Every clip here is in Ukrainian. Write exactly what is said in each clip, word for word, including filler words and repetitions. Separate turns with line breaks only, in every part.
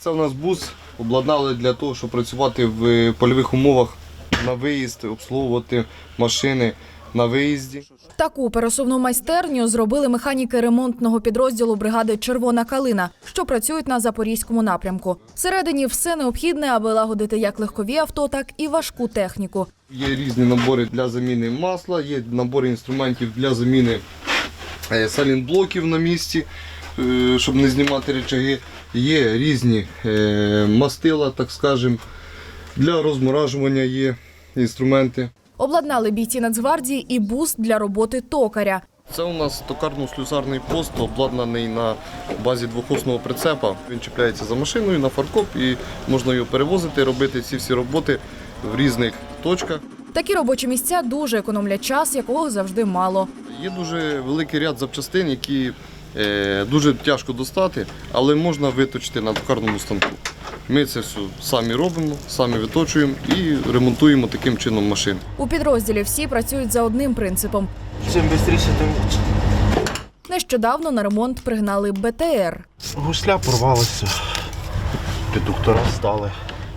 Це у нас бус обладнали для того, щоб працювати в польових умовах на виїзд, обслуговувати машини на виїзді.
Таку пересувну майстерню зробили механіки ремонтного підрозділу бригади «Червона калина», що працюють на Запорізькому напрямку. Всередині все необхідне, аби лагодити як легкові авто, так і важку техніку.
Є різні набори для заміни масла, є набори інструментів для заміни салінблоків на місці, щоб не знімати рычаги. Є різні мастила, так скажемо, для розморажування є інструменти.
Обладнали бійці Нацгвардії і бус для роботи токаря.
Це у нас токарно-слюсарний пост, обладнаний на базі двохосного прицепа. Він чіпляється за машиною на фаркоп і можна його перевозити, робити ці всі роботи в різних точках.
Такі робочі місця дуже економлять час, якого завжди мало.
Є дуже великий ряд запчастин, які е, дуже тяжко достати, але можна виточити на токарному станку. Ми це все самі робимо, самі виточуємо і ремонтуємо таким чином машини.
У підрозділі всі працюють за одним принципом.
Чим швидше, тим лучше.
Нещодавно на ремонт пригнали Б Т Р.
Гусля порвалася, редуктора стали.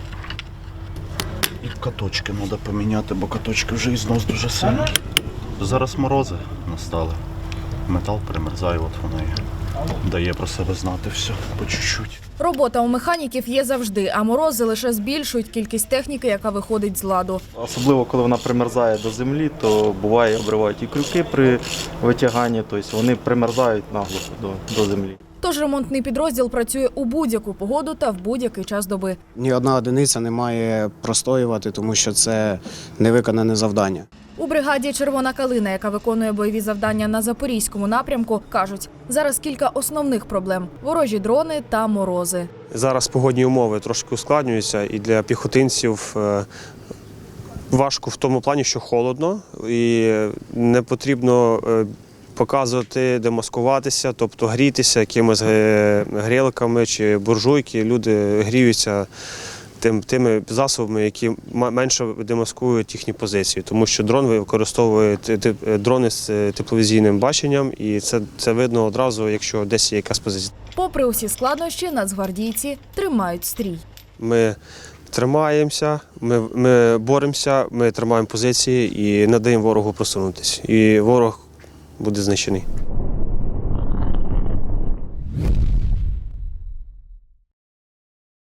І каточки треба поміняти, бо каточки вже і знос дуже сильний. Зараз морози настали. Метал примерзає, от воно і дає про себе знати все по чуть-чуть.
Робота у механіків є завжди, а морози лише збільшують кількість техніки, яка виходить з ладу.
Особливо, коли вона примерзає до землі, то буває, обривають і крюки при витяганні, тобто вони примерзають наглухо до, до землі.
Тож ремонтний підрозділ працює у будь-яку погоду та в будь-який час доби.
Ні одна одиниця не має простоювати, тому що це невиконане завдання.
У бригаді «Червона калина», яка виконує бойові завдання на Запорізькому напрямку, кажуть, зараз кілька основних проблем – ворожі дрони та морози.
Зараз погодні умови трошки ускладнюються, і для піхотинців важко в тому плані, що холодно, і не потрібно показувати, де маскуватися, тобто грітися якимись грілками чи буржуйки. Люди гріються тим, тими засобами, які менше демаскують їхні позиції, тому що дрон використовує дрони з тепловізійним баченням, і це, це видно одразу, якщо десь є якась позиція.
Попри усі складнощі, нацгвардійці тримають стрій.
Ми тримаємося, ми, ми боремося, ми тримаємо позиції і не даємо ворогу просунутися. І ворог буде знищений.